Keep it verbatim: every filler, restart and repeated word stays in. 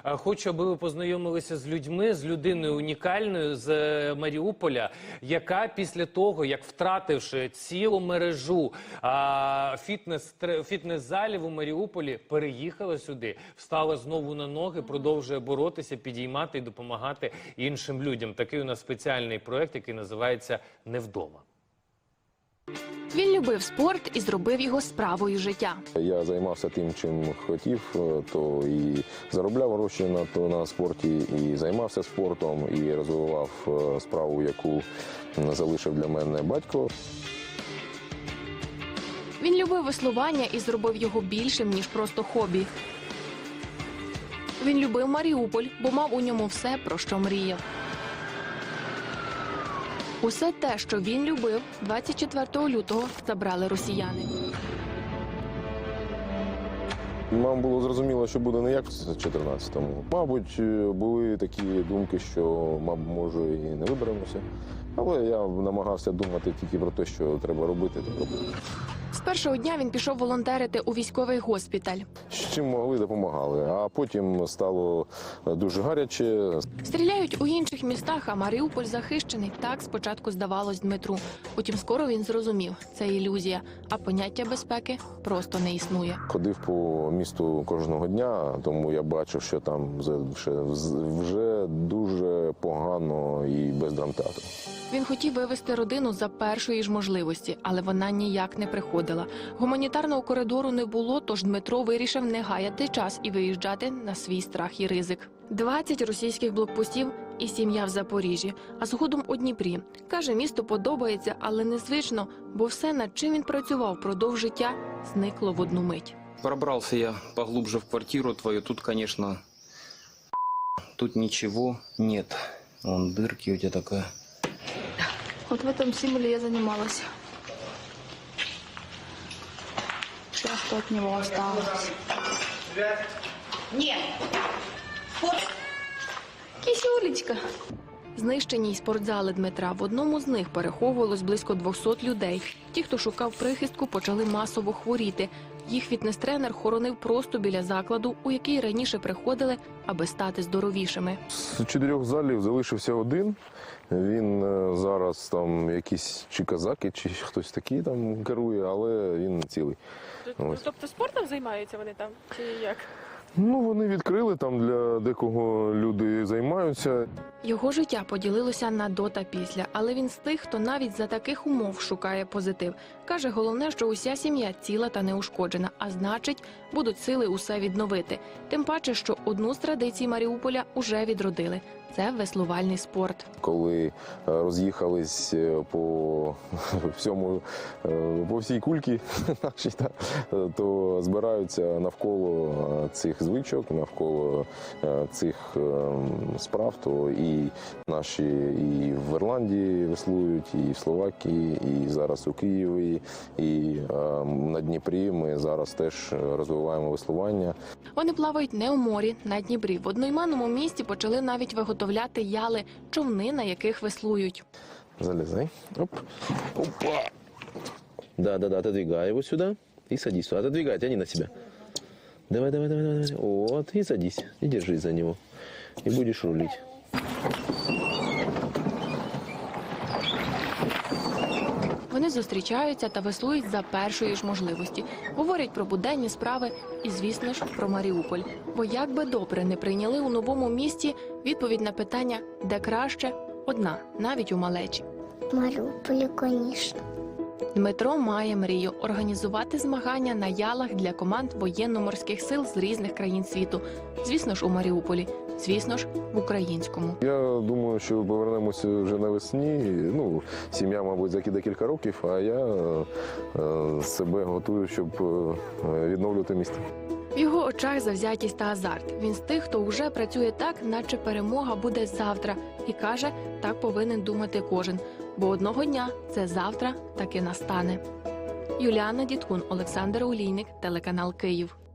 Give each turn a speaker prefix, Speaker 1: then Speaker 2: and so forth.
Speaker 1: Хочу, аби ви познайомилися з людьми, з людиною унікальною з Маріуполя, яка після того, як втративши цілу мережу фітнес, фітнес-залів у Маріуполі, переїхала сюди, встала знову на ноги, продовжує боротися, підіймати і допомагати іншим людям. Такий у нас спеціальний проєкт, який називається «Не вдома».
Speaker 2: Він любив спорт і зробив його справою життя.
Speaker 3: Я займався тим, чим хотів, то і заробляв гроші на, то, на спорті, і займався спортом, і розвивав справу, яку залишив для мене батько.
Speaker 2: Він любив веслування і зробив його більшим, ніж просто хобі. Він любив Маріуполь, бо мав у ньому все, про що мріяв. Усе те, що він любив, двадцять четвертого лютого забрали росіяни.
Speaker 3: Нам було зрозуміло, що буде не як в чотирнадцятому. Мабуть, були такі думки, що, мабуть, може, і не виберемося. Але я намагався думати тільки про те, що треба робити, то робити.
Speaker 2: З першого дня він пішов волонтерити у військовий госпіталь.
Speaker 3: З чим могли, допомагали. А потім стало дуже гаряче.
Speaker 2: Стріляють у інших містах, а Маріуполь захищений. Так спочатку здавалось Дмитру. Потім скоро він зрозумів – це ілюзія, а поняття безпеки просто не існує.
Speaker 3: Ходив по місту кожного дня, тому я бачив, що там вже дуже погано і без драмтеатру.
Speaker 2: Він хотів вивезти родину за першої ж можливості, але вона ніяк не приходила. Гуманітарного коридору не було, тож Дмитро вирішив не гаяти час і виїжджати на свій страх і ризик. двадцять російських блокпостів і сім'я в Запоріжжі, а згодом у Дніпрі. Каже, місто подобається, але незвично, бо все, над чим він працював впродовж життя, зникло в одну мить.
Speaker 4: Пробрався я поглубже в квартиру твою, тут, конечно, тут ничего нет. Вон дырки у тебя такая.
Speaker 5: Вот в этом символе я занималась. Все, что от него осталось.
Speaker 6: Нет.
Speaker 5: Кисюлечка.
Speaker 2: Знищені й спортзали Дмитра. В одному з них переховувалось близько двохсот людей. Ті, хто шукав прихистку, почали масово хворіти. Їх фітнес-тренер хоронив просто біля закладу, у який раніше приходили, аби стати здоровішими.
Speaker 3: З чотирьох залів залишився один. Він зараз там якісь чи казаки, чи хтось такий там керує, але він цілий. Ось.
Speaker 7: Тобто спортом займаються вони там, чи як?
Speaker 3: Ну, вони відкрили, там для декого люди займаються.
Speaker 2: Його життя поділилося на до та після, але він з тих, хто навіть за таких умов шукає позитив. Каже, головне, що уся сім'я ціла та неушкоджена, а значить, будуть сили усе відновити. Тим паче, що одну з традицій Маріуполя уже відродили – це веслувальний спорт.
Speaker 3: Коли роз'їхались по всьому, по всій кульці нашій, то збираються навколо цих звичок, навколо цих справ, то і наші і в Ірландії веслують, і в Словакії, і зараз у Києві, і на Дніпрі ми зараз теж розвиваємо веслування.
Speaker 2: Вони плавають не у морі, на Дніпрі. В одноіменному місті почали навіть виготовляти яли, човни, на яких веслують.
Speaker 3: Залезай. Оп. Опа. Да-да-да, отодвигай его сюда и садись. Отодвигай, тяни на себя. Давай, давай, давай, давай. Вот, и садись. И держись за него. И будешь рулить.
Speaker 2: Вони зустрічаються та веслують за першої ж можливості. Говорять про буденні справи і, звісно ж, про Маріуполь. Бо як би добре не прийняли у новому місті, відповідь на питання «де краще?» одна, навіть у малечі.
Speaker 8: Маріуполі, звісно.
Speaker 2: Дмитро має мрію – організувати змагання на ялах для команд воєнно-морських сил з різних країн світу. Звісно ж, у Маріуполі. Звісно ж, в українському.
Speaker 3: Я думаю, що повернемося вже навесні. Ну, сім'я, мабуть, за декілька років, а я е, себе готую, щоб е, відновлювати місто.
Speaker 2: В його очах завзятість та азарт. Він з тих, хто вже працює так, наче перемога буде завтра. І каже, так повинен думати кожен. Бо одного дня це завтра таки настане. Юліана Діткун, Олександр Олійник, телеканал Київ.